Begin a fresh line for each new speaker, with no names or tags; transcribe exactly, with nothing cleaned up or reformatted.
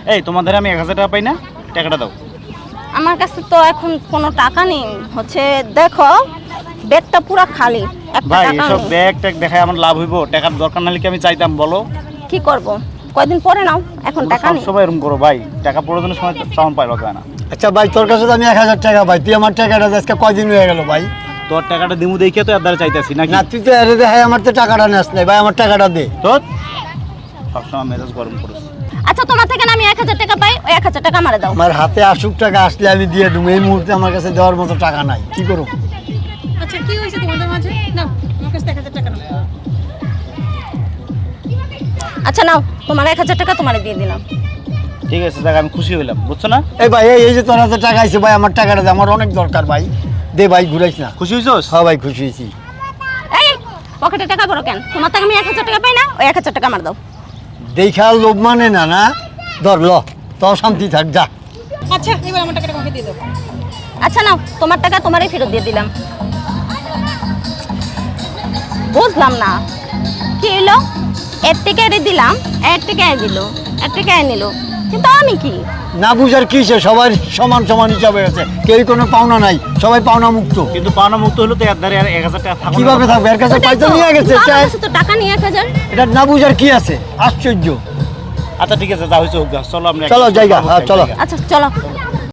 এই তোমাদের আমি এক হাজার টাকা পাই না, টাকাটা দাও।
আমার কাছে তো এখন কোনো টাকা নেই, হচ্ছে দেখো ব্যাগটা পুরো খালি, একটা
ভাই
টাকা
এসব
নেই।
ব্যাগ ট্যাগ দেখায় আমার লাভ হইব? টাকার দরকার নাহলে কি আমি চাইতাম বলো?
কি করব, কয়দিন পরে নাও, এখন টাকা
সব
নেই।
সময় এরকম করো ভাই, টাকা প্রয়োজনের সময় চাউন পাইলো যায় না।
আচ্ছা ভাই, তোর কাছে তো আমি এক হাজার টাকা ভাই, তুই আমার টাকাটা দে, আজকে কয়দিন হয়ে গেল ভাই?
তোর টাকাটা দিমু দেখে তো এর দ্বারা চাইতেছি নাকি?
না তুই তো এরে দে, আমার তো টাকাটা নেস নাই ভাই, আমার টাকাটা দে।
তোর সবসময় মেজাজ গরম করিস।
আচ্ছা তোমার থেকে না আমি এক হাজার টাকা পাই, ওই এক হাজার টাকা আমারে দাও।
আমার হাতে আসুক টাকা আসলে আমি দিয়ে দেবো, এই মুহূর্তে আমার কাছে দেওয়ার মতো টাকা নাই, কি করব?
আচ্ছা কি হয়েছে তোমাদের মাঝে? নাও আমার কাছে এক হাজার টাকা নাও।
আচ্ছা নাও, তোমার এক হাজার টাকা তোমারে দিয়ে দিলাম।
ঠিক আছে দেখ, আমি খুশি হইলাম, বুঝছো না?
এই ভাই এই এই যে তোর হাতে টাকা আছে ভাই, আমার টাকাটা দে, আমার অনেক দরকার ভাই, দে ভাই, ঘুরাইস না।
খুশি হইছস?
হ্যাঁ ভাই খুশি হয়েছি।
এই পকেটে টাকা বড় কেন? তোমার থেকে আমি এক হাজার টাকা পাই না, ওই এক হাজার টাকা আমার দাও।
দেখা লোভ মানে না, না ধর ল, তোর শান্তি থাক, যা।
আচ্ছা এবার আমার টাকাটা আমাকে দিয়ে দাও।
আচ্ছা নাও, তোমার টাকা তোমারই ফেরত দিয়ে দিলাম। বুঝলাম না কি হলো, এর থেকে এর দিলাম, এর থেকে এর দিল, এর থেকে এর নিল, কিন্তু আমি কি?
না বুঝার কিসে, সবাই সমান সমান হিসাবে আছে, কেউ কোনো পাওনা নাই, সবাই পাওনা মুক্ত।
কিন্তু পাওনা মুক্ত হলো তো এর দ্বারা আর এক হাজার টাকা থাকবে
কিভাবে থাকবে? এর কাছে
ওটাই
পয়সা
তো,
নিয়ে গেছে,
কিন্তু আমার
চাই-
কাছে তো টাকা নিয়ে এক হাজার।
এটা না বুঝার কি আছে, আশ্চর্য।
আচ্ছা ঠিক আছে, যা হয়েছে হোক গা, চলো আমরা
চলো,
একটা-
জায়গা, হ্যাঁ, চলো।
আচ্ছা চলো।